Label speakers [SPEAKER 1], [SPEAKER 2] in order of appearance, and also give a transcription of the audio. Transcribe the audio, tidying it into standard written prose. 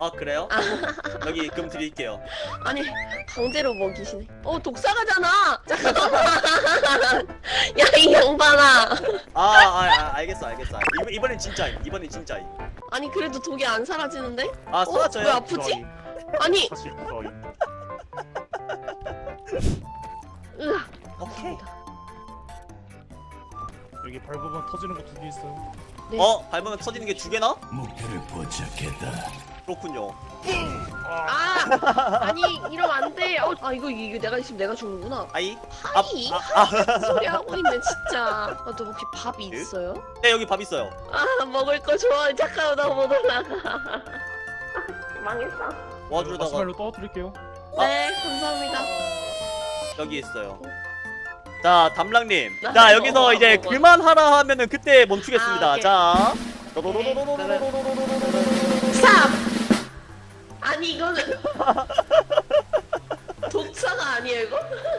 [SPEAKER 1] 아 그래요? 여기 금 드릴게요.
[SPEAKER 2] 아니 강제로 먹이시네. 독사가잖아. 잠깐만. 야 이 양반아.
[SPEAKER 1] 알겠어. 이번엔 진짜임. 이번엔 진짜임.
[SPEAKER 2] 아니 그래도 독이 안 사라지는데?
[SPEAKER 1] 아 쏟아져요.
[SPEAKER 2] 왜 아프지? 아니.
[SPEAKER 3] 사실 부서임.
[SPEAKER 2] 으아.
[SPEAKER 1] 오케이.
[SPEAKER 3] 여기 밟으면 터지는 거 2개 있어요.
[SPEAKER 2] 네.
[SPEAKER 1] 밟으면 터지는 게 2개나?
[SPEAKER 4] 목표를 포착했다.
[SPEAKER 1] 그렇군요.
[SPEAKER 2] 아니 이러면 안 돼. 이거 내가 있으면 내가 죽는구나.
[SPEAKER 1] 아이.
[SPEAKER 2] 하이? 소리 하고 있네 진짜. 너 혹시 밥이
[SPEAKER 1] 네?
[SPEAKER 2] 있어요?
[SPEAKER 1] 네 여기 밥 있어요.
[SPEAKER 2] 먹을 거 좋아. 잠깐만 나 못 올라가. 망했어.
[SPEAKER 1] 와주다가
[SPEAKER 3] 마시멜로 떠드릴게요.
[SPEAKER 2] 네 감사합니다.
[SPEAKER 1] 여기 있어요. 자 담랑님.
[SPEAKER 2] 나
[SPEAKER 1] 자
[SPEAKER 2] 이거
[SPEAKER 1] 여기서 이제
[SPEAKER 2] 먹어.
[SPEAKER 1] 그만하라 하면은 그때 멈추겠습니다.
[SPEAKER 2] 오케이.
[SPEAKER 1] 자.
[SPEAKER 2] 스탑! 아니 이거는 독사가 아니에요 이거?